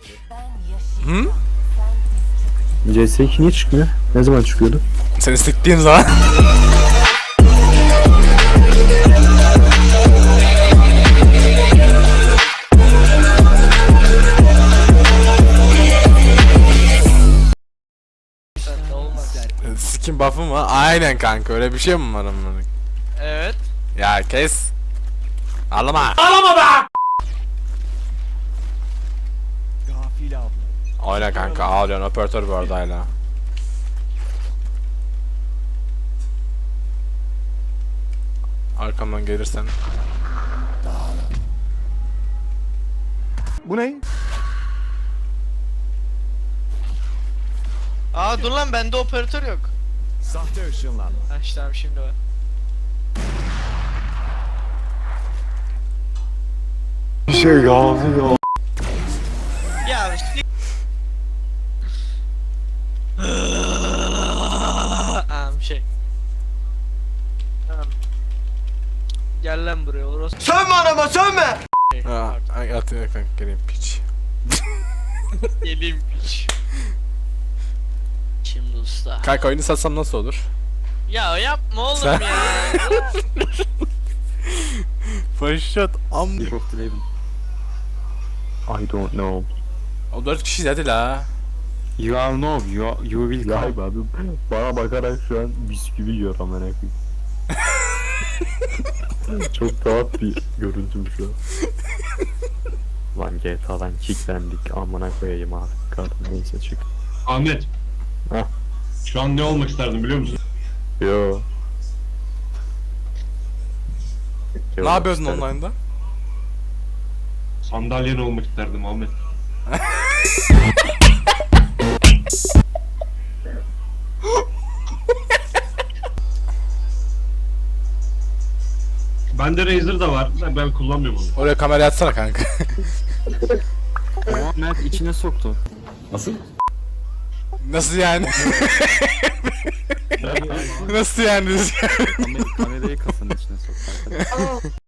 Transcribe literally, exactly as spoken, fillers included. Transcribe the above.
Hı? C S iki niye çıkmıyor? Ne zaman çıkıyordu? Seni siktiğim zaman. Skin buff'ı mı? Aynen kanka, öyle bir şey mi var amına? Evet. Ya kes. Ağlama. Ağlama be. Aynen kanka, ağlıyorsun, operatör bu arada hala. Arkamdan gelirsen. Bu ne? Aa dur lan, bende operatör yok. Sahte ışınlanma. Ha işte abi, şimdi var. Şey ya. Ya işte. Am şey. Tamam. Gel lan buraya orası. Sönme anama sönme! Ha, ay at ya kanka, geleyim piç. Geleyim piç. Şimdi usta. Kanka oyunu satsam nasıl olur? Ya yapma oğlum Sen- ya. Başlat am. League of the Raven. I don't know. O dört kişi hadi la. You all know, you, you will come. Abi, bana bakarak şu an bisküvi yiyor amına koyayım. Çok tuhaf bir görüntüm şu an. Lan G T A'dan kicklendik, amına koyayım abi. Kardım neyse çık. Ahmet. Hah. Şu an ne olmak isterdin biliyor musun? Yo. Ne yapıyorsun online'da? Sandalyen olmak isterdim Ahmet. Bende Razer da var. Ben, ben kullanmıyorum onu. Oraya kamera atsana kanka. Ama Mert içine soktu. Nasıl yani? Nasıl yani? Kamerayı kasanın içine soktu arkadaşlar.